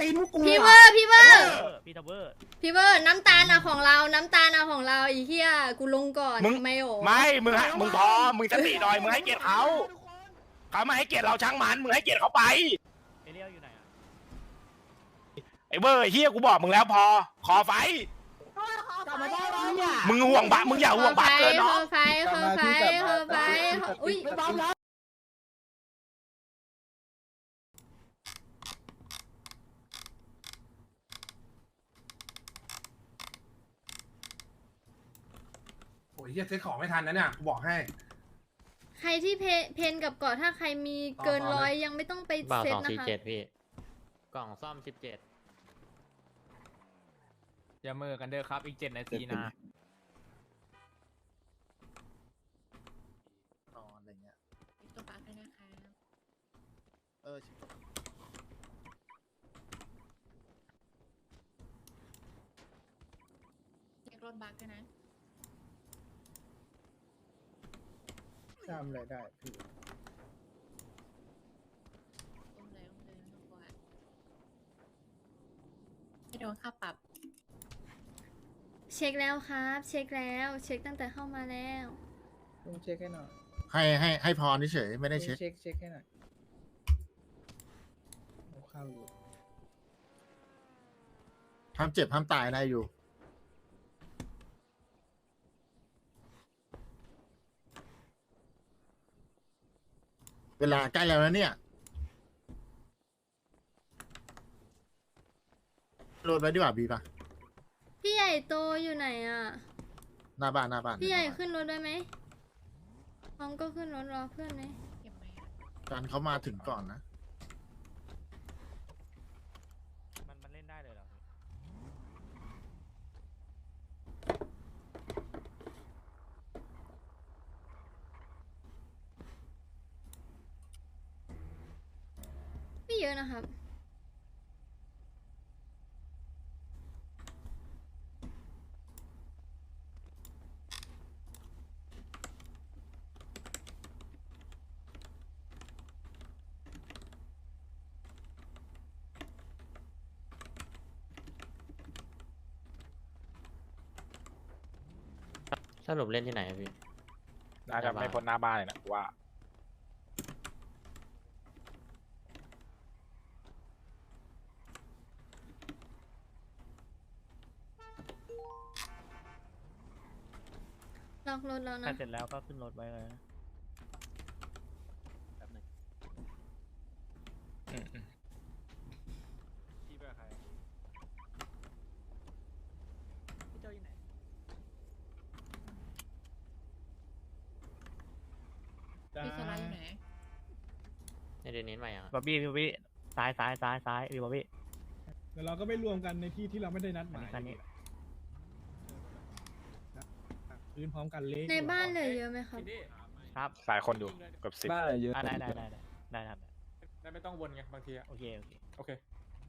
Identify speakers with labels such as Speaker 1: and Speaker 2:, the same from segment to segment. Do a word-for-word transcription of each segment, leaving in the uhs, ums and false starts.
Speaker 1: นพวกกู
Speaker 2: พี่เวอร์พี่เวอร์
Speaker 3: พี่ทับเวอร์
Speaker 2: พี่เวอร์น้ำตาลอะของเราน้ำตาลอะของเราอีเหี้ยกูลงก่อน
Speaker 4: มึง
Speaker 2: ไม่โอ้
Speaker 4: ไม่มึงให้มึงพอมึงสติหน่อยมึงให้เกียรติเขาเขาไม่ให้เกียรติเราช่างมันมึงให้เกียรติเขาไป
Speaker 3: เอเรียลอยู่ไหนอ่ะ
Speaker 4: ไอ้เบอร์ไอ้เฮียกูบอกมึงแล้วพอขอไฟ
Speaker 1: กลับมาได้แล้วเนี่ย
Speaker 4: มึงห่วงบะมึงอย่าห่วงบะเกิน
Speaker 2: เฮ
Speaker 4: เนาะ
Speaker 2: อไฟเฮอไฟเฮอไฟอุ้ย
Speaker 1: ไม่บ้าแล้วโอ้ยเฮียเซ็ตของไม่ทันนะเนี่ยกูบอกให้
Speaker 2: ใครที่เพเพนกับเกาะถ้าใครมีเกินร้อยยังไม่ต้องไป
Speaker 5: บ่าว
Speaker 2: เซ็ต
Speaker 5: สอง
Speaker 2: นะ
Speaker 5: สี่
Speaker 2: คะ
Speaker 5: เจ็ดพี่ กล่องซ่อมสิบเจ็ด
Speaker 3: อย่าเมื่อกันเด้อครับอีกเจ็ดนาทีนะ
Speaker 1: อ๋ออะไรเงี้ย
Speaker 6: ตัวปากด้วยนะคะ
Speaker 1: เออ
Speaker 6: เช็ครถบักด้วยนะ
Speaker 1: ทำอะไรได้พี่
Speaker 6: อุ้มเลยอุ้มเลยไม่ต้องกลัวไม่โดนค่าปรับ
Speaker 2: เช็คแล้วครับ เช็คแล้วเช็คตั้งแต่เข้ามาแล้ว
Speaker 1: ลุงเช็คให้หน่อย
Speaker 7: ให้ให้ให้พรเฉยๆไม่ได้เช็ค
Speaker 1: เช็คเช็คให้หน่อยเอาเข้าอยู่
Speaker 7: ห้ามเจ็บห้ามตายได้อยู่ เวลาใกล้แล้วนะเนี่ยโหลดไว้ดีกว่าบีป่ะ
Speaker 2: พี่ใหญ่โตอยู่ไหนอ่ะ
Speaker 7: หน้าบ้านหน้าบ้าน
Speaker 2: พี่ใหญ่ขึ้นรถได้ไหมน้องก็ขึ้นรถรอเพื่อนไหม
Speaker 6: เก็บไหมอะ
Speaker 7: การเขามาถึงก่อนนะ
Speaker 3: มันมันเล่นได้เลยเหรอ
Speaker 2: ไม่เยอะนะครับ
Speaker 5: สรุปเล่นที่ไหนอะพี่
Speaker 4: น่าจะไม่พ้นหน้าบ้านเลยนะกูว่า
Speaker 2: ล็อกรถแล้ว
Speaker 3: ถ้า
Speaker 2: นะ
Speaker 3: เสร็จแล้วก็ขึ้นรถไว้เลยนะ
Speaker 4: อืมอืม
Speaker 3: พี่เบอร์ใคร
Speaker 6: พี่โจอยู่ไหน พี่โซลาอยู่ไหน
Speaker 5: ในเดือนนี้ใหม่อ่ะ
Speaker 3: บ๊อบบี้บ๊อบบี้ซ้ายซ้ายซ้ายซ้ายพี่บ๊อบบี้
Speaker 8: เดี๋ยวเราก็ไปรวมกันในที่ที่เราไม่ได้นัดห
Speaker 3: อัน
Speaker 8: มาย
Speaker 3: นี้คันนี้
Speaker 8: พื้นพร้อมกันเละ
Speaker 2: ในบ้านเหลือเยอะไหมครับ
Speaker 3: ครับ
Speaker 4: สายคนอยู่เกือบสิบ
Speaker 9: บ้านอะไรเยอะ
Speaker 3: อ่ะได้ได้ได้ได้ได้ครับ
Speaker 9: ได้ไม่ต้องวนไงบางทีอะ
Speaker 3: โอเคโอเค
Speaker 9: โอเค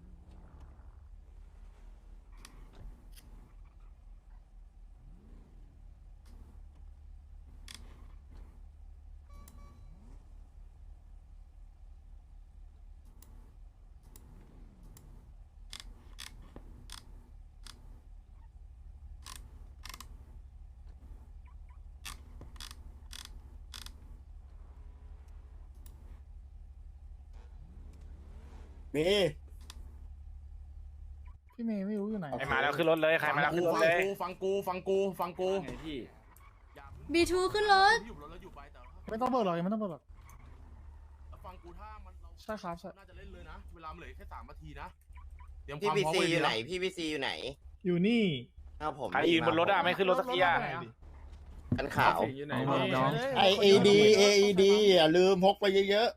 Speaker 7: มี
Speaker 1: พี่เมย์ไม่รู้อยู่ไหน
Speaker 4: ใครมาแล้วขึ้นรถเลยใครมาแล้วขึ้นรถเลย
Speaker 7: ฟังกูฟังกูฟังกู
Speaker 2: บีทูขึ้นรถ
Speaker 1: ไม่ต้องเปิดหรอกยังไม่ต้องเปิดหรอก
Speaker 7: ฟังกูถ้ามัน
Speaker 1: ใช่ครับใช่
Speaker 7: น่าจะเล่นเลยนะ เวลาเหลือแค่สามนาทีนะเตรียมค
Speaker 10: พี่
Speaker 7: วาม
Speaker 10: พี
Speaker 7: พร้อม
Speaker 10: ซี
Speaker 7: ไว้
Speaker 10: อยู่
Speaker 7: ดี
Speaker 10: ไหน
Speaker 7: นะ
Speaker 10: พี่พีซีอยู่ไหน
Speaker 8: อยู่นี่
Speaker 10: เอาผม
Speaker 4: ใครยืนบนรถอะไม่ขึ้นรถสักทีอะ
Speaker 10: กันขาว
Speaker 9: น้อง
Speaker 7: ไอเอดีเอดีอย่าลืมพกไปเยอะ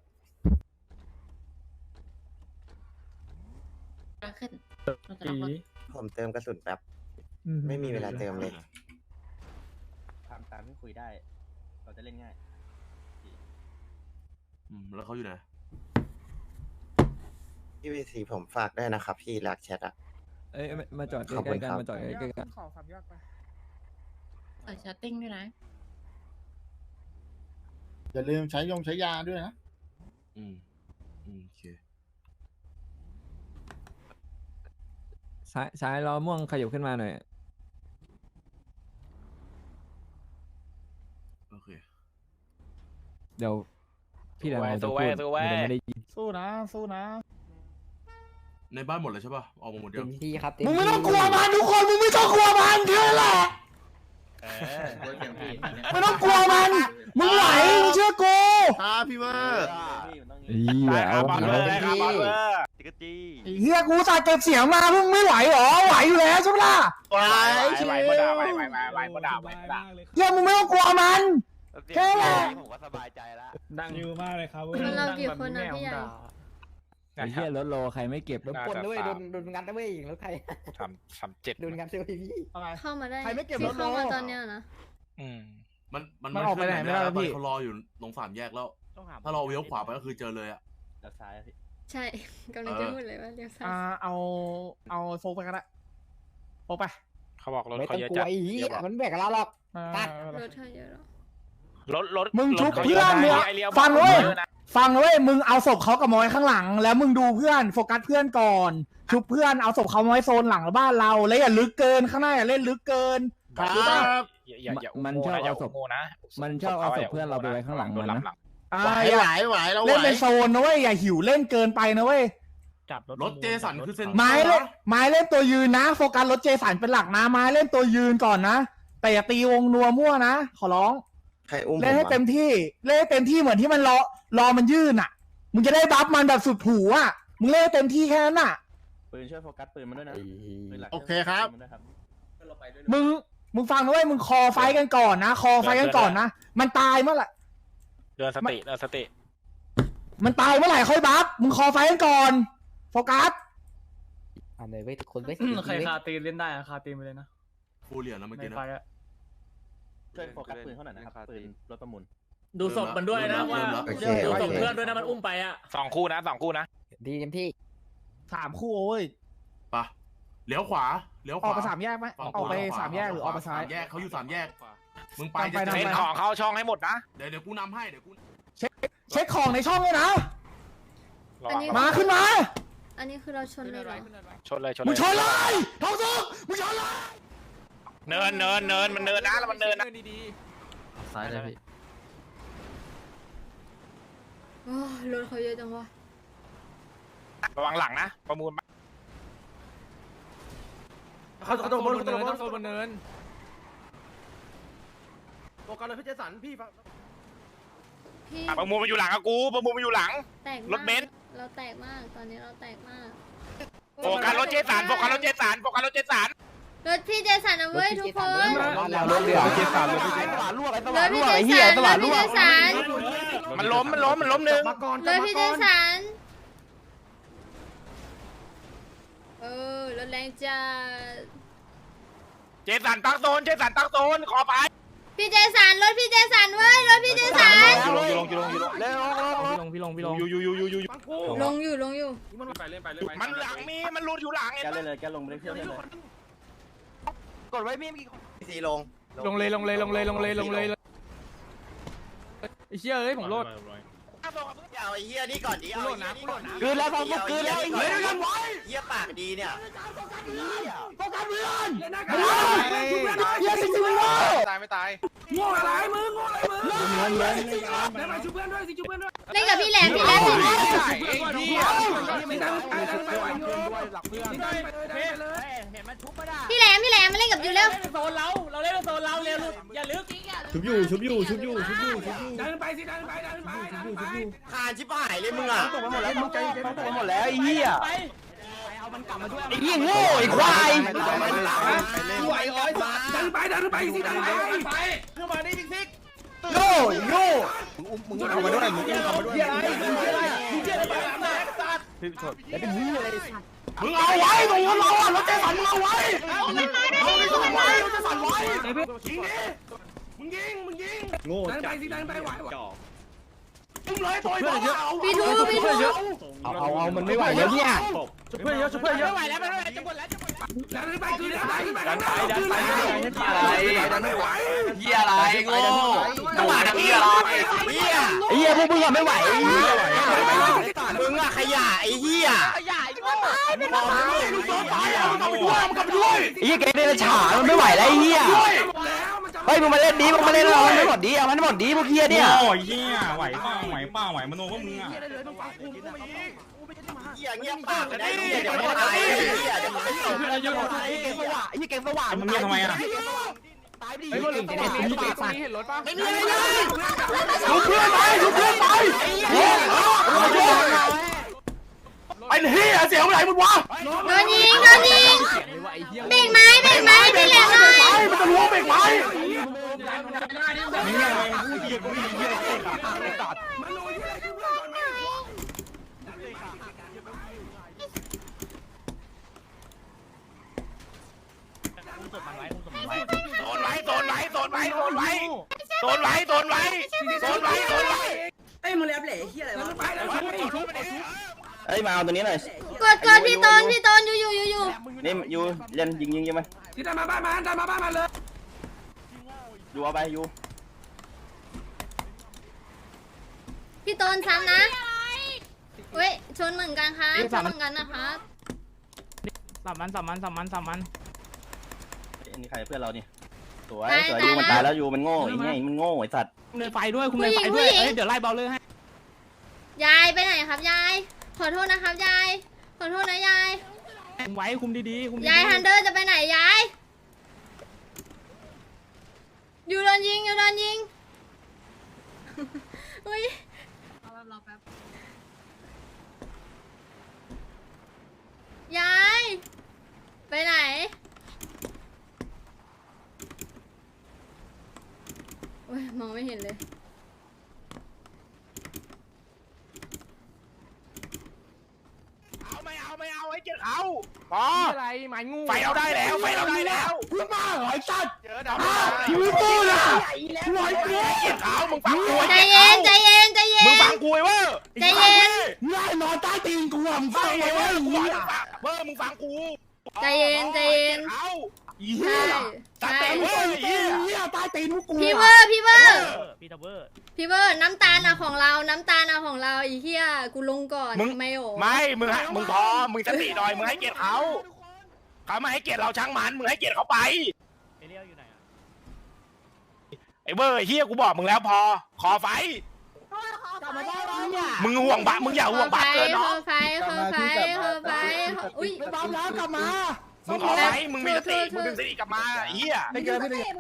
Speaker 6: ขึ้นเราจะล็อกรถ
Speaker 10: ผมเติมกระสุนแป๊บ ไม่มีเวลาเติมเลย
Speaker 9: ถามตามที่คุยได้ เราจะเล่นง่าย
Speaker 7: อืมแล้วเขาอยู่ไหน
Speaker 10: พี่พีซีผมฝากได้นะครับ พี่รักแชทอะ
Speaker 9: เอ้ยมาจอด
Speaker 10: ขอบคุณ
Speaker 9: ใกล้ๆกัน
Speaker 10: ครับ
Speaker 9: มาจอดใกล้ๆกัน
Speaker 1: ขอความยากไป
Speaker 6: เปิดชัตติ้งด้วยนะ
Speaker 7: อย่าลืมใช้ยงใช้ยาด้วยนะ
Speaker 11: อืม อืม โอเคซ้ายซ้ายล้อม่วงขยับขึ้นมาหน่อย
Speaker 7: โอเค
Speaker 11: เดี๋ยวพี่แดงเราจะ
Speaker 4: สู้
Speaker 11: พู
Speaker 4: ไว้
Speaker 11: ด
Speaker 4: สู้ไว้
Speaker 11: มันจะไม่ได้ยิน
Speaker 8: สู้นะสู้นะ
Speaker 7: ในบ้านหมดเลยใช่ป่ะออกมาหมดยัง
Speaker 10: ที่ครับ
Speaker 7: มึงไม่ต้องกลัวมันทุกคนมึงไม่ต้องกลัวมันแค่นั้นแหละ
Speaker 4: เออ
Speaker 7: ไม่ต้องกลัวมันมึงไหวมึงเชื่อกูครับพี่เวอร์
Speaker 11: อี
Speaker 4: ได้ค
Speaker 11: เอา
Speaker 4: รับบอล
Speaker 11: เอา
Speaker 4: เลยครับบอลเลยจิกกจี้
Speaker 7: เฮียกูสายเก็บเสียงมามึงไม่ไหวหรอไหวอยู่แล้วใช่ไหมล่ะไหว
Speaker 4: ไหวไหวบ่ด่าไหวไหวไหวไหวบ่ด่าไหวบ่ด่า
Speaker 7: เฮียมึงไม่ต้องกลัวมัน แค่นั้น
Speaker 4: ผมก็สบายใจแล้ว
Speaker 8: ดังอยู่มากเลยครับ
Speaker 2: มันเรากี่คนนะพี่ใหญ่
Speaker 11: ไอ้เหี้ยรถโลใครไม่เก็บ
Speaker 10: โดนปล้นด้วยโดนโดนงัดด้วยรถใคร
Speaker 4: ทำทำเจ็ด
Speaker 10: โดนงัดด้วยพี่
Speaker 2: เข้ามาได้
Speaker 7: ใครไม่เก็บ
Speaker 2: ที่
Speaker 7: รถโล
Speaker 2: เข้ามาตอนเนี้ยนะ
Speaker 4: อืม
Speaker 7: มันมัน
Speaker 8: มันออกไปไหนไม่ได้แล้วพี่
Speaker 7: เขารออยู่ตรงสามแยกแล้ว
Speaker 3: ต้องหา
Speaker 7: ถ้าเราเลี้ยวขวาไปก็คือเจอเลยอ่ะ
Speaker 9: ด้านซ้ายอะพี่
Speaker 2: ใช่กำลังจะพูดเลยว่าเลี้ยวซ้าย
Speaker 8: อ่าเอาเอาโฟกไปก็ได้โฟกไป
Speaker 4: เขาบอกรถ
Speaker 10: ไม่
Speaker 4: เขา
Speaker 10: ต้อง
Speaker 4: เยอะ
Speaker 10: กลั
Speaker 4: จั
Speaker 10: ว
Speaker 4: ด
Speaker 10: ไอ้เหี้ยมันแบกกับเราหรอก ตัด
Speaker 2: รถเธอเยอะหรอ
Speaker 4: รถรถ
Speaker 7: มึงชุบ
Speaker 4: รถขา
Speaker 7: เพื่อน
Speaker 4: ยะ
Speaker 7: มึง
Speaker 4: ไอเลี้ยว
Speaker 7: ฟังเว้ย
Speaker 4: เยอะนะ
Speaker 7: ฟังเว้ยมึงเอาศพเขากับมอยข้างหลัง แล้วมึงดูเพื่อนโฟกัสเพื่อนก่อนชุบเพื่อนเอาศพเขามาไว้โซนหลังบ้านเราแล้วอย่าลึกเกินข้างหน้าอย่าเล่นลึกเกิน
Speaker 11: ครับ
Speaker 4: อย่าอย่าอย่า
Speaker 11: มัน
Speaker 4: โง่
Speaker 11: ชอบ
Speaker 4: นะอย่า
Speaker 11: เอาศพ
Speaker 4: โง่นะ
Speaker 11: มันชอบเอาศพเพื่อนเราไปไว้ข้างหลังมันนะ
Speaker 7: อ่าอย่าไหวไหวเราเล่นเป็นโซนนะเว้ยอย่าหิวเล่นเกินไปนะเว้ย
Speaker 3: จับรถ
Speaker 7: รถเจสันคือเส้น
Speaker 3: จับรถ
Speaker 7: ไม้เล่นไม้เล่นตัวยืนนะโฟกัสรถเจสันเป็นหลักนะไม้เล่นตัวยืนก่อนนะแต่อย่าตีวงนัวมั่วนะขอร้อง
Speaker 10: ใครอุ้ม
Speaker 7: เล่นให้เต็มที่เล่นให้เต็มที่เหมือนที่มันรอรอมันยื่นอ่ะมึงจะได้บัฟมันแบบสุดหูอ่ะมึงเล่นให้เต็มที่แค่นั้นอ่ะ
Speaker 9: ปืนช่วยโฟกัสปืนมันด้วยนะปืนหลัก
Speaker 7: โอเคครับ
Speaker 9: ปืนมันด้วยครับ
Speaker 7: มึงมึงฟังนะเว้ยมึงคอไฟกันก่อนนะคอไฟกันก่อนนะมันตายเมื่อไหร่
Speaker 4: เดินสติเดินสติ
Speaker 7: มันตายเมื่อไหร่ค่อยบัฟมึงคอไฟกันก่อนโฟกัส
Speaker 10: อ่าเลยเว้ยทุกคนเว้ย
Speaker 3: ใครคาตีนเล่นได้อะคาตีนไปเลยนะ
Speaker 7: ฟูเหรียญแล้วเมื่อ
Speaker 3: ใน
Speaker 7: กี้นะ
Speaker 3: ไฟอะ
Speaker 9: ช่วยโฟกัสปืนเขาหน่อยนะครับปืนรถประมูล
Speaker 8: ดูศพมันด้วยนะว่า
Speaker 7: โอเค
Speaker 8: ดูศพเพื่อนด้วยนะมันอุ้มไปอ่ะ
Speaker 4: สองคู่นะสองคู่นะ
Speaker 10: ดีเต็มที่
Speaker 7: สามคู่โอ้ยปะเลี้ยวขวาเลี้ยวขวา
Speaker 8: ออกไปสามแยกไหม
Speaker 7: ฝั่งขว
Speaker 8: ออกไป
Speaker 7: ขว
Speaker 8: สามแยกหรือออกไปซ้าย
Speaker 7: สามแยกเขาอยู่สามแยกมึงไป
Speaker 8: ตามไป
Speaker 7: จะ
Speaker 8: ตาม
Speaker 7: เจ
Speaker 4: เล่น
Speaker 7: อ
Speaker 4: ของเข้าช่องให้หมดนะ
Speaker 7: เดี๋ยวเดี๋ยวกูนำให้เดี๋ยวกูเช็คเช็คของในช่องเลยนะ
Speaker 4: ระวัง
Speaker 7: มาขึ้นมา
Speaker 2: อันนี้คือเราชนเลยเหรอ
Speaker 4: ชนเลยชน
Speaker 7: มึ
Speaker 4: เล
Speaker 7: ง
Speaker 4: ย
Speaker 7: ชนเลยท้องสุกมึงชนเลย
Speaker 4: เนินเนินเนินมันเนินนะแล้วมันเนินนะ
Speaker 5: ซ้ายเลยพี่
Speaker 2: โอ้ยรถเขาเยอะจังวะ
Speaker 4: ระวังหลังนะประมูล
Speaker 8: เขาเขาต้องบนเขาต้องบนเขาบนเนิน
Speaker 7: โฟกัสเลยพี่เจสันพี่
Speaker 2: พี่
Speaker 4: ประมูลมาอยู่หลังกับกูประมูลมาอยู่หลัง
Speaker 2: แตก
Speaker 4: ร
Speaker 2: มา
Speaker 4: ถ
Speaker 2: ก
Speaker 4: เบนซ์
Speaker 2: เราแตกมากตอนนี้เราแตกมาก
Speaker 4: โฟกัสรถเจสันโฟกัสรถเจสันโฟกัสรถเจสัน
Speaker 2: รถพี่เจสันนะเว้ยทุกคน
Speaker 10: รถเดือด
Speaker 7: เจสันเลย
Speaker 2: รถพี่เจสันรถพี่เจสัน
Speaker 4: มันล้มมันล้มมันล้มหนึ่ง
Speaker 2: รถพี่เจสันเออรถแรงจัด
Speaker 4: เจสันตั้งโซนเจสันตั้งโซนขอไป
Speaker 2: พี่เจสันรถพี่เจสันเว้ยรถพี่เจสัน
Speaker 4: อยู่ลงอยู่ลงอยู่ลงอยู่ลง
Speaker 3: พี่ลงพี่ลงพี่ลง
Speaker 4: อยู่อยู่อยู่อยู่อยู่
Speaker 2: ลงอยู่ลงอยู่
Speaker 4: มันหลังมีมันรูดอยู่หลัง
Speaker 9: แกเลยเลยแกลงไปเที่ยวได้เลย
Speaker 10: กดไว้มีมีสีลง
Speaker 8: ลงเลยลงเลยลงเลยลงเลยลงเลยไอ้เชี่ยเอ้ยผมโลด
Speaker 10: เอาไอ้เหี้ยนี่ก่อนดิเอาไอ้เหี้ยนี่ก่อน
Speaker 7: คืนแล้วพอคืนแล้วไอ้เหี้ยกันไว้
Speaker 10: เหี้ยปากดีเนี่ย
Speaker 7: โฟกัสเพื่อนเหี้ยสิสิมึงโง่
Speaker 4: ตายไม่ตาย
Speaker 7: โง่อะไรมึงโง่อะไรมึง
Speaker 11: เงินเงิน
Speaker 7: ได้มาชุบเพื่อนด้วยสิชุบเพื่อนด้วย
Speaker 2: เล่นกับพี่แหลมพี่แหลมพี่แหลม
Speaker 7: ไม่ได้ไม่ไหวอยู่หลักเพื่อน
Speaker 2: พี่แหลมพี่แหลมมาเล่นกับยูเร็ว
Speaker 8: โซนเราเราเล่นโซนเราเร็วอย่าลึก
Speaker 11: ชุบอยู่ชุบอยู่ชุบอยู่ชุบอยู่ชุบอยู่
Speaker 7: ดันไปสิดันไปดันไปดันไป
Speaker 10: คานชิบหายเลยมึงอ่ะ
Speaker 7: ตกไปหมดแล้วมึงใจเย็นตกไปหมดแล้วไอ้เหี้ย
Speaker 8: ไป
Speaker 7: ไอ้เหี้ยโง่ไอ้ควาย
Speaker 10: ไหวร้อยบาท
Speaker 7: ดันไปดันไปสิดันไป
Speaker 10: เข้ามาได้ซิก
Speaker 7: โง่โง่
Speaker 10: มึงเอามาด้วยมึงเอามาด้วย
Speaker 7: เหี้ยอะไรเหี้ยอะไรเหี้ยอะไรแล้วเป็นเหี้ยอะไรมึงเอาไว้ตรงนั้นเราอ่ะรถเจสันมึงเอาไว้เอาไว้เอาไว้เอาไว้รถเจสันไว้ยิงดิมึงยิงมึงยิงโง่ดันไปสิดันไปไหวมึงเลยต่อยเยอะ
Speaker 2: พี่ทูพี่ทู
Speaker 11: เอาเอาเอามันไม่ไหวแล้วเนี่ย
Speaker 8: ชุบเพื่อนเยอะชุบเพื่อนเยอะ
Speaker 7: ไม่ไหวแล้วไม่ไหวจะหมดแล้วจะหมดแล้วดันไปคือดันไปดันไปดันไปดันไปไหว
Speaker 10: เหี้ยอะไรโง่จังหวะเหี้ยอะไรเหี้ย
Speaker 11: ไอ้เหี้ยพวกมึงอะไม่ไหว
Speaker 10: มึงอะขยะไอ้เหี้ย
Speaker 7: ขยะไอ้มึงกลับไปมึงกลับไปเอามึงกลับไปด้วยมึงกลับไปด้วย
Speaker 5: ไอ้เหี้ยแกเดรัจฉานมันไม่ไหวแล้วไอ้เหี้ยเฮ้ยมึงมาเล่นดีมึงมาเล่นเอามันไม่หมดดีเอามันไม่หมดดีพวกเหี้ยเนี่ย
Speaker 7: โอ้ยเหี้ยไหวเปล่าไหวเปล่าไหวมโนว่ามึงอ่ะ
Speaker 10: เหี้ยเงียบปากเลยนะเหี้ยเดี๋ยวไม่ตายเหี้ยเดี๋ยวไม่ตาย
Speaker 5: ไอ้เก่งสว่างไอ้เก่งสว่าง
Speaker 7: มึงเงียบทำไมอ่ะ
Speaker 5: ตายไปดิ
Speaker 8: ไอ้พวกนี้มีปากสั่นเห็นรถป่ะ
Speaker 5: ไม่มีอะไรเลย
Speaker 7: ลุกเพื่อนไปลุกเพื่อนไปโอ้โหเป็นเหี้ยเสียงอะไรมึงวะ
Speaker 2: โดนยิงโดนยิงเบรกไม้เบรกไม้เบรกแรงหน่อย
Speaker 7: มันจะล้วงเบรกไม้
Speaker 1: ไม่มีอะไรพูดเหี้ยกูไม่มีเหี้ยอะไรตัด
Speaker 4: โดนไว้โดนไว้โดนไว้โดนไว้โดนไว้โดนไว้โดนไว้โดนไว้
Speaker 9: เอ้ยมึงเลี้ยบเหล่เฮียอะไรวะ
Speaker 5: เฮ้ยมาเอาตัวนี้หน่อย
Speaker 2: กดกดพี่ตนพี่ตนอยู่อยู่อยู่อยู่
Speaker 5: นี่ยูเล่นยิงยิงยิงมัน
Speaker 1: ที่ได้มาบ้านมันได้มาบ้านมันเลย
Speaker 5: ยูเอาไปยู
Speaker 2: พี่ตนซ้ำนะเว้ยชนเหมือนกันครับชนเหมือนกันนะครับ
Speaker 8: สามมันสามมันสามมันสามมัน
Speaker 5: อันนี้ใครเพื่อนเรานี่สวยสวยยูมันตายแล้วยูมันโง่ไอ้เงี้ยมันโง่ไอ้สัตว์
Speaker 8: คุมเลยไฟด้วยคุมเลยไฟด้วยเอ้ยเดี๋ยวไล่เบาเลยให้
Speaker 2: ยายไปไหนครับยายขอโทษนะครับยายขอโทษนะยาย
Speaker 8: คุมไว้คุมดีๆคุมดี
Speaker 2: ยายฮันเดอร์จะไปไหนยายอยู่โดนยิงอยู่โดนยิงอุ้ย
Speaker 6: รอแป๊บรอแป๊บ
Speaker 2: ยายไปไหนโอ้ยมองไม่เห็นเลย
Speaker 4: เอาไม่เอาไม่เอาไอ้เจ็ดเอาพอ
Speaker 8: อะไรหมายงู
Speaker 4: ไฟเราได้แล้วไฟเราได้แล้ว
Speaker 7: มึงมาเหรอไอ้สัตว์
Speaker 4: เจอดาว
Speaker 7: มึงตู้นะหน่อยกู
Speaker 4: เจ็ดเอามึงฟังกู
Speaker 2: ใจเย็นใจเย็นใจเย็
Speaker 4: มึง
Speaker 2: น
Speaker 4: ฟังกูไอ้เว้ย
Speaker 2: ใจเย็น
Speaker 7: ง่ายนอนใต้ตีนกูอ่ะมึงฟั
Speaker 4: ฟั
Speaker 7: ง
Speaker 4: ง
Speaker 7: ไง
Speaker 4: ไอ้
Speaker 7: วะ
Speaker 4: เว้ย
Speaker 7: ไอ้
Speaker 4: กู
Speaker 7: เหี้ย
Speaker 4: เว้ยมึงฟังกู
Speaker 2: ใจเย็นใจเย็น
Speaker 4: เอา
Speaker 7: ไอ้เหี้
Speaker 2: ใช่
Speaker 7: ย
Speaker 2: ใช่
Speaker 7: มึงฟังกูไอ้เหี้ยใต้ตีนพวกกู
Speaker 2: พี่เวอร์พี่เวอร์
Speaker 3: พี่ทับเวอร์
Speaker 2: พี่เวอร์น้ำตาลอะของเราน้ำตาลอะของเราอีเหี้ยกูลงก่อนไม่โอ้
Speaker 4: ไม่มึงให้มึงพอมึงสติหน่อยมึงให้เกียรติเขาเขาไม่ให้เกียรติเราช่างมันมึงให้เกียรติเขาไป
Speaker 3: เอเรียลอยู่ไหนอ่ะ
Speaker 4: ไอ้เว้ยเฮียกูบอกมึงแล้วพอขอไฟมึงห่วงบะมึงอย่าห่วงบะเกิน
Speaker 2: เฮ
Speaker 4: เนาะ
Speaker 2: อไฟเฮอไฟเฮอไฟอุ้ย
Speaker 7: ไม่บ้าแล้วกลับมา
Speaker 4: มึงขอไฟมึงมีสติมึงดึงสติกลับมาไอ้เฮีย
Speaker 7: ไม่เกินไม่เกิน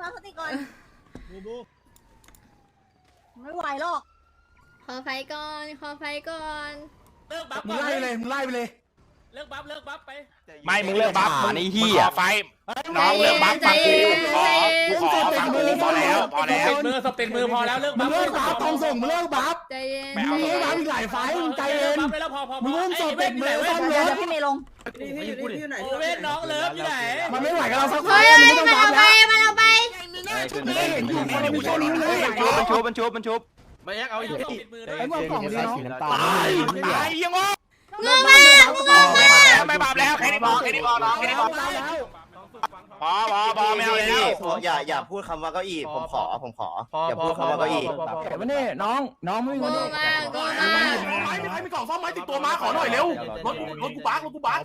Speaker 6: ไม่ไหวหรอก
Speaker 2: ขอไฟก่อนขอไฟก่อน
Speaker 3: เลิกบัฟ
Speaker 7: มึงไล่ไปเลยมึงไล่ไปเลย
Speaker 3: เลิกบัฟเลิกบัฟไป
Speaker 4: ไม่มึงเลิกบัฟมึงมึงขอไฟน้องเลิกบัฟฟังกูขอกูขอฟังกูพอแล้วพอแล้ว
Speaker 3: มือสปิดมือพอแล้วเลิก
Speaker 7: มึ
Speaker 3: บั
Speaker 7: ง
Speaker 3: ฟ
Speaker 7: เลิกบัฟต้องส่งมึงเลิกบัฟ
Speaker 2: ใจเย็น
Speaker 7: มึงเลิกบัฟอีกหลายไฟมึงใจเย็น
Speaker 3: บัฟไปแล้วพอพอ
Speaker 7: มึงเริ่มสดเด็กมือซ่อมรถ
Speaker 6: พี่เมย์ลง
Speaker 9: พี่พี่อยู่นี่พี่อยู่ไหน
Speaker 3: โอเว่นน้องเลิฟอยู่ไหน
Speaker 7: มันไม่ไหวกับเราสักไฟ
Speaker 2: เฮ้ย
Speaker 7: มึง
Speaker 2: มั
Speaker 7: ไม่
Speaker 2: น
Speaker 7: ต้องบั
Speaker 2: เอา
Speaker 7: ฟ
Speaker 2: ไป
Speaker 7: แล้ว
Speaker 2: มันเอาไป
Speaker 7: ไม่ได้เห็นอยู่คนมีตัวนี้เลย
Speaker 5: มันชุบมันชุบมันชุบมันชุบ
Speaker 3: ไม่ยักเอาอีกปิดมือด้ว
Speaker 7: ไอ้
Speaker 3: ย
Speaker 7: พวกกล่องดีเนาะ
Speaker 4: ตายตายยังงง
Speaker 2: งงมากงงมาก
Speaker 4: ไม่บาปแล้วแค่นี้พอแค่นี้พอน้องแค่นี้พอพอพอพอไม่เอาแล้ว
Speaker 10: อย่าอย่าพูดคำว่าเก้าอี้ผมขอผมขออย่าพูดคำว่าเก้าอี้
Speaker 7: เก็บไว้นี่น้องน้องไม่มี
Speaker 2: ง
Speaker 7: คน
Speaker 2: งมากงงมาก
Speaker 7: ไม้มีใครมีกล่องซ่อมไม้ติดตัวมาขอหน่อยเร็วรถรถกูบักรถกูบัก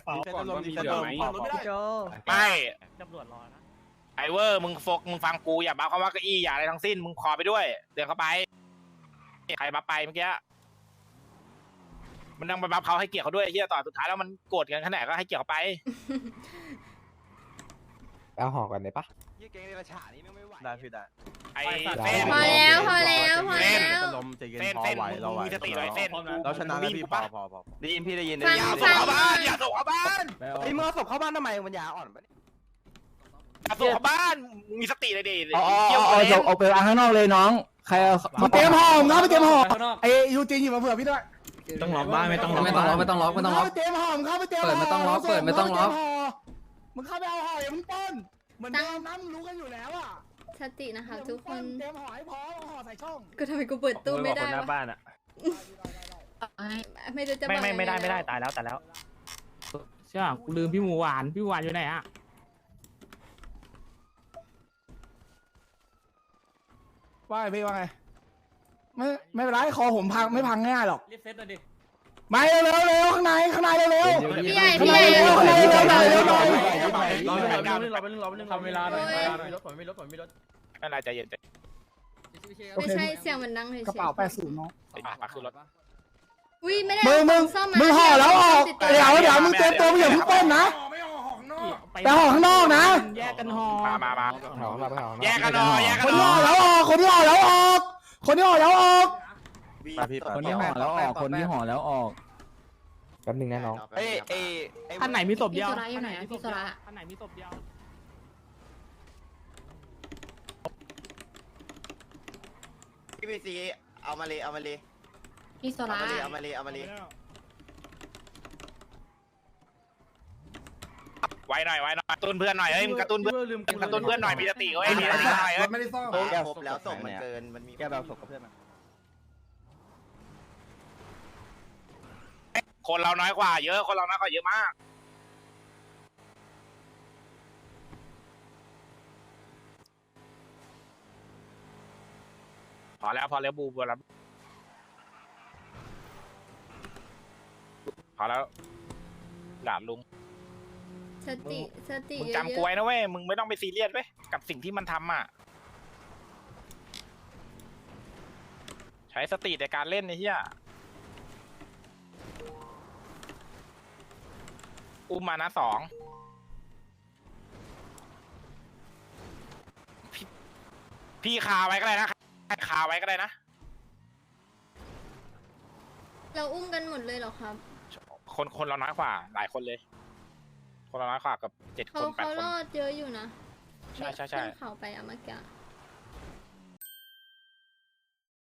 Speaker 4: ไม่
Speaker 3: ตำรวจรอนะ
Speaker 4: ไอเวอร์มึงโฟกมึงฟังกูอย่าบัฟคำว่าเก้าอี้อย่าอะไรทั้งสิ้นมึงขอไปด้วยเดินเข้าไปใครบัฟไปเมื่อกี้มันนั่งไปบัฟเขาให้เกียรติเขาด้วยเฮียต่อสุดท้ายแล้วมันโกรธกันขนาดก็ให้เกียรติเขาไป
Speaker 11: เอาห่อกันได้ปะ
Speaker 5: ยี่เก่งเดรัจฉานนี่ไม่ไหว
Speaker 10: ได้พี่ได้
Speaker 4: ไอ้เส้น
Speaker 2: พอแล้วพอแล้วพอแล้ว
Speaker 4: เส้นเส้นมึงมีสติหน่อยเส้น
Speaker 10: เราชนะแล้วพี่พอพอพอ
Speaker 5: ได้ยินพี่ได้ยินได้
Speaker 2: ฟัง
Speaker 5: ยิน
Speaker 4: อย่าส่งเข้าบ้านอย่าส่งเข้าบ้าน
Speaker 5: ไอ้เมื่อศพเข้าบ้านทำไมมันยาอ่อนปะ
Speaker 4: อย่าส่งเข้าบ้านมีสติเลยดิ
Speaker 11: เอาเอาเอาเอาเอาไปวางข้างนอกเลยน้องใครเอา
Speaker 7: มาเตรียมห่อมึงเอาไปเตรียมห่อ
Speaker 3: ข้างนอก
Speaker 7: ไอ้ยูจีนหยิบมาเผื่อพี่ด้วย
Speaker 8: ต้องล็อกบ้านไม่ต้องล็อก
Speaker 11: ไม่ต้องล็อกไม่ต้องล็อกไม่ต้องล็อก
Speaker 7: มึเข้าไปเตรียมห่อมึงเข้าไปเตรียมห่อ
Speaker 11: เปิดไม่ต้องล็อกเปิดไม่ต้องล็อก
Speaker 7: มึงเข้าไปเอาห่ออย่ามึงป้นเหมือนเดิมนะมึงรู้กันอยู่แล้วอ่ะ
Speaker 2: สตินะคะทุกคน
Speaker 7: เตรียมห่อให้พร้อมเอาห่อใส่ช่อง
Speaker 2: ก็ทำไมกูเปิดตู้ไม่ได้
Speaker 3: หน้าว
Speaker 2: ะ
Speaker 3: บ้านอ่ะ
Speaker 2: ไม่ได้จะ
Speaker 3: ไม่ไม่
Speaker 2: บอก
Speaker 3: ไม่ได้
Speaker 2: ยังง
Speaker 3: ไม่ได้ตายแล้วตายแล้ว
Speaker 8: ใช่ป่ะกูลืมพี่หมูหวานพี่หมูหวานอยู่ไหนอ่ะ
Speaker 7: ว่าไงพี่ว่าไงไม่ไม่เป็นไรคอผมพังไม่พังง่ายหรอก
Speaker 3: รีบเซ็ตเลยดิ
Speaker 7: มาเร็วเร็วเร็วข้างในข้างในเร็วเร็ว
Speaker 2: พี่ใหญ่
Speaker 4: ดเก้า
Speaker 7: เราไปนึงเราไปนึง
Speaker 8: ทำเวลาหน่อย
Speaker 7: ไม่มีรถผมไม่มีรถผมไม่มีรถ
Speaker 4: ไม่เป็นไรใจเย็นใจ
Speaker 2: ไม่ใช่เสียงมันดังเลย
Speaker 6: กระเป๋าแปดศูนย์เนาะ
Speaker 4: มาขึ้นรถ
Speaker 2: อุ้ยไม่ได้
Speaker 6: มึงมึง
Speaker 2: ซ่อม
Speaker 6: มึงห่อแล้วออกเดี๋ยวเดี๋ยวมึงเตรียมตัวมึงอย่าเพิ่งต้นนะ
Speaker 7: ไม่เอาของนอก
Speaker 6: แต่ห่อข้างนอกนะ
Speaker 8: แยกกันห่อ
Speaker 4: มามามา
Speaker 5: แถวมาแถว
Speaker 4: แยกกันหน่อยแยก
Speaker 6: ค
Speaker 4: กัน
Speaker 6: น
Speaker 4: ห
Speaker 6: ที่
Speaker 4: น่
Speaker 6: ห่
Speaker 4: อ
Speaker 6: อย แล้วออกคนที่ห่อแล้วออกคนที่ห่อแล้วออก
Speaker 10: มาพี่
Speaker 11: คนที่ห่อแล้วออกคนที่ห่อแล้วออกแป๊บนึงนะน้อง
Speaker 5: เอ้ยเอ้ย
Speaker 8: ท่านไหนมีศพเดียว
Speaker 6: พี่โซระอยู่ไหนอะพี่โซระ
Speaker 8: ท่านไหนมีศพเดียว
Speaker 10: พี่พีซีเอามาเลยเอามาเลย
Speaker 6: พี่โซ
Speaker 10: เอา
Speaker 6: ระ
Speaker 10: มาเลยเอามาเลยเอามาเลย
Speaker 4: ไว้หน่อยไว้หน่อยกระตุ้นเพื่อนหน่อยเฮ้ยมึงกระตุ้นเพื่อน
Speaker 7: ลืม
Speaker 4: กระตุ้นเพื่อนหน่อยมีสติเว้ยมีสติหน่อยเฮ้ย
Speaker 7: ไม่ได้ซ่อม
Speaker 10: ครบแล้วส่งมันเกินมันมี
Speaker 9: แกแบบศพกับเพื่อนมา
Speaker 4: คนเราน้อยกว่าเยอะคนเราน้อยกว่าเยอะมากพอแล้วพอแล้วบูบูแล้วพอแล้วหลานลุง
Speaker 2: สติสติ
Speaker 4: มึง
Speaker 2: เยอะ
Speaker 4: จำกูไว้นะเว้ยมึงไม่ต้องไปซีเรียสเว้ยกับสิ่งที่มันทำอ่ะใช้สติในการเล่นไอ้เหี้ยอุ้มมานะสองพี่พี่คาไว้ก็ได้นะคาไว้ก็ได้นะ
Speaker 2: ๆเราอุ้มกันหมดเลยเหรอครับ
Speaker 4: คนคนเราน้อยกว่าหลายคนเลย คนเราน้อยกว่ากับเจ็ดค
Speaker 2: เขา
Speaker 4: นแปด
Speaker 2: เขา
Speaker 4: คน
Speaker 2: รอดเยอะอยู่นะ
Speaker 4: ใช่ใช่ใช่
Speaker 2: ขึ้นเขาไปอะเมื่อกี้